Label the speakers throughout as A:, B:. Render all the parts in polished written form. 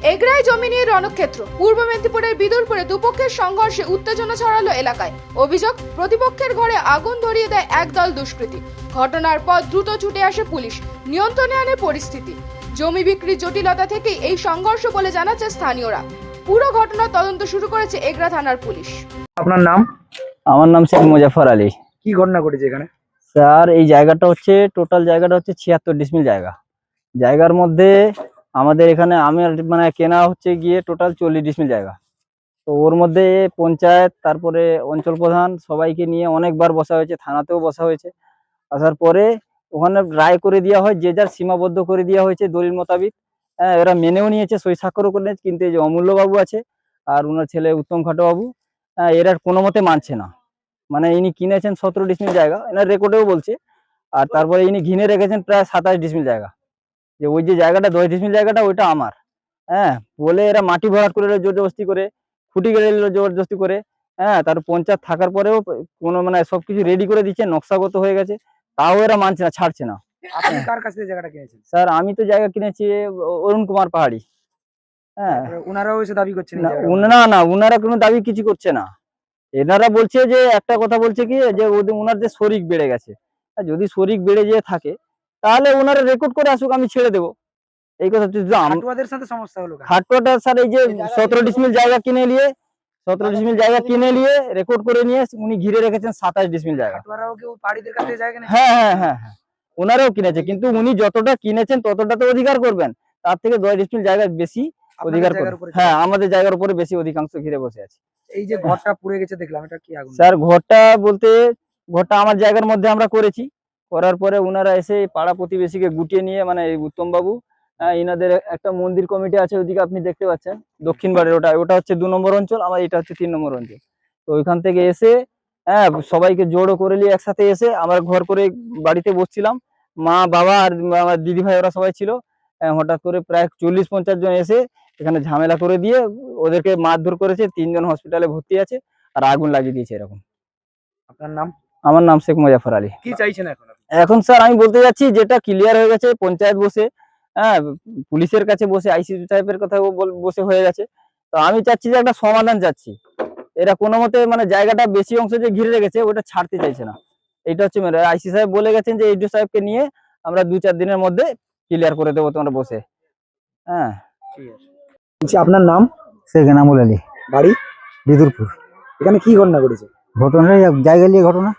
A: এগরায় জমি নিয়ে রণক্ষেত্র। পূর্ব মেদিনীপুরের বিদুরপুরে দুপক্ষের সংঘর্ষে উত্তেজনা ছড়ালো এলাকায়। অভিযোগ, প্রতিপক্ষের ঘরে আগুন ধরিয়ে দেয় একদল দুষ্কৃতী। ঘটনার পর দ্রুত ছুটে আসে পুলিশ, নিয়ন্ত্রণে আনে পরিস্থিতি। জমি বিক্রির জটিলতা থেকেই এই সংঘর্ষ বলে জানাচ্ছে স্থানীয়রা। পুরো ঘটনার তদন্ত শুরু করেছে এগরা থানার পুলিশ।
B: আপনার নাম?
C: আমার নাম শেখ মুজাফর আলী।
B: কি ঘটনা ঘটেছে এখানে?
C: স্যার, এই জায়গাটা হচ্ছে টোটাল জায়গাটা হচ্ছে 76 ডিসমিল জায়গা। জায়গার মধ্যে আমাদের এখানে আমার মানে কেনা হচ্ছে গিয়ে টোটাল 40 ডিসমিল জায়গা। তো ওর মধ্যে পঞ্চায়েত, তারপরে অঞ্চল প্রধান সবাইকে নিয়ে অনেকবার বসা হয়েছে, থানাতেও বসা হয়েছে। আসার পরে ওখানে রায় করে দেওয়া হয়, যে যার সীমাবদ্ধ করে দেওয়া হয়েছে দলিল মোতাবিক। হ্যাঁ, এরা মেনেও নিয়েছে, সই স্বাক্ষরও করে নিয়েছে। কিন্তু এই যে অমূল্য বাবু আছে আর ওনার ছেলে উত্তম খাটো বাবু, এরা কোনো মতে মানছে না। মানে ইনি কিনেছেন 17 ডিসমিল জায়গা, এনার রেকর্ডেও বলছে। আর তারপরে ইনি ঘিনে রেখেছেন প্রায় 27 ডিসমিল জায়গা। যে ওই যে জায়গাটা 10 ডিসমিল জায়গাটা ওইটা আমার। হ্যাঁ, বলে এরা মাটি ভরাট করে জোর জবরদস্তি করে, খুঁটি গেড়ে জবরদস্তি করে। হ্যাঁ, তার পঞ্চায়েত থাকার পরেও কোনো মানে সবকিছু রেডি করে দিচ্ছে, নকশাগত হয়ে গেছে, তাও এরা মানছে না, ছাড়ছে না।
B: আপনি কার কাছ থেকে জায়গাটা কিনেছেন?
C: স্যার, আমি তো জায়গা কিনেছি অরুণ কুমার পাহাড়ি। হ্যাঁ,
B: ওনারাও এসে দাবি করছেন এই
C: না
B: জায়গাটা
C: না না, উনারা কোনো দাবি কিছু করছে না। এনারা বলছে যে একটা কথা বলছে কি, যে ওনার যে শরিক বেড়ে গেছে। যদি শরিক বেড়ে যেয়ে থাকে তাহলে ওনারা রেকর্ড করে আসুক, আমি ছেড়ে দেবো। এই কথা
B: হাটুয়াদের সাথে সমস্যা হলো কেন?
C: খাটুয়াটা স্যার এই যে 17 ডিসমিল জায়গা কিনে নিয়ে 17 ডিসমিল জায়গা কিনে নিয়ে রেকর্ড করে নিয়ে উনি ঘিরে রেখেছেন 27 ডিসমিল জায়গা।
B: হাটুয়ারাও কি পাড়িদের কাছ থেকে জায়গা কিনেছে?
C: হ্যাঁ হ্যাঁ হ্যাঁ হ্যাঁ, ওনারাও কিনেছে, কিন্তু উনি যতটা কিনেছেন ততটা তো অধিকার করবেন, তার থেকে 10 ডিসমিল জায়গা বেশি অধিকার
B: জায়গার
C: করবেন।
B: উপরে
C: হ্যাঁ, আমাদের জায়গার উপরে বেশি অধিকাংশ ঘিরে বসে আছে।
B: এই যে ঘরটা পুড়ে গেছে দেখলাম, এটা কি আগুন?
C: স্যার, ঘরটা বলতে ঘরটা আমার জায়গার মধ্যে আমরা করেছি। করার পরে ওনারা এসে পাড়া প্রতিবেশীকে গুটিয়ে নিয়ে, মানে এই উত্তম বাবু, ইনাদের একটা মন্দির কমিটি আছে ওইদিকে আপনি দেখতে পাচ্ছেন, দক্ষিণ বাড়ির ওটা ওটা হচ্ছে 2 নম্বর অঞ্চল, আমার এটা হচ্ছে 3 নম্বর অঞ্চল। তো ওইখান থেকে এসে হ্যাঁ সবাইকে জোড়ো করে নিয়ে একসাথে এসে আমরা ঘর করে বাড়িতে বসছিলাম, মা বাবা আর আমার দিদি ভাই ওরা সবাই ছিল। হঠাৎ করে প্রায় 40-50 জন এসে এখানে ঝামেলা করে দিয়ে ওদেরকে মারধর করেছে, 3 জন হসপিটালে ভর্তি আছে, আর আগুন লাগিয়ে দিয়েছে এরকম।
B: আপনার নাম?
C: আমার নাম শেখ মুজাফর আলী।
B: কি চাইছেন এখন?
C: এখন স্যার আমি বলতে যাচ্ছি, যেটা ক্লিয়ার হয়ে গেছে পঞ্চায়েত বসে, হ্যাঁ পুলিশের কাছে বসে, আইসি সাহেবের কথা বসে হয়ে গেছে। তো আমি চাচ্ছি যে একটা সমাধান চাচ্ছি। এরা কোনো মতে মানে জায়গাটা বেশি অংশ যে ঘিরে রেখেছে ওটা ছাড়তে চাইছে না। এটা হচ্ছে মেরে আইসি সাহেব বলে গেছেন যে এইচও সাহেবকে নিয়ে আমরা 2-4 দিনের মধ্যে ক্লিয়ার করে দেবো তোমরা বসে। হ্যাঁ,
B: ঠিক আছে। আপনার নাম?
D: শেখ এনামুল আলী,
B: বাড়ি?
D: বিদুরপুর।
B: এখানে কি ঘটনা ঘটেছে?
D: ঘটনা জায়গা নিয়ে ঘটনা।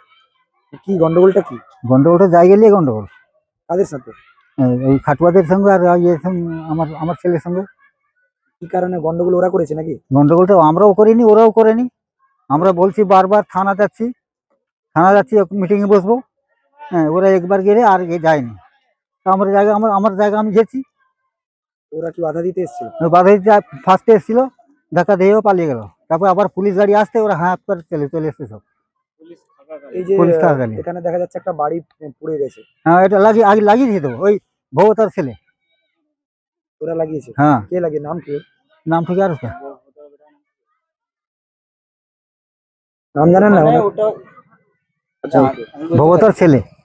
B: কি গন্ডগোলটা কি?
D: গন্ডগোলটা জায়গা নিয়ে গন্ডগোল।
B: কাদের সাথে?
D: ওই খাটুয়াদের সঙ্গে আর আমার আমার ছেলের সঙ্গে।
B: কি কারণে গন্ডগোল ওরা করেছে নাকি?
D: গন্ডগোলটা আমরাও করিনি, ওরাও করেনি। আমরা বলছি বারবার থানা যাচ্ছি, মিটিংয়ে বসবো। হ্যাঁ, ওরা একবার গেলে আর যায়নি। তা আমার জায়গা আমার জায়গা আমি গেছি।
B: ওরা কি বাধা দিতে এসেছিল?
D: বাধা দিতে ফার্স্টে এসেছিল, ধাক্কা দিয়েও পালিয়ে গেল। তারপর আবার পুলিশ গাড়ি আসতে ওরা হাত করে চলে এসছে সব।
B: এই যে
D: পুলিশ থাকাকালীন।
B: এখানে দেখা যাচ্ছে একটা বাড়ি পুড়ে গেছে।
D: হ্যাঁ, এটা আগে লাগিয়ে দিত ওই ভগবতার ছেলে।
B: ওরা লাগিয়েছে?
D: হ্যাঁ।
B: কে লাগিয়ে? নাম কি?
D: নাম ঠিক আর
B: নাম জানেন না?
C: ওটা
B: আচ্ছা,
D: ভগবতার ছেলে।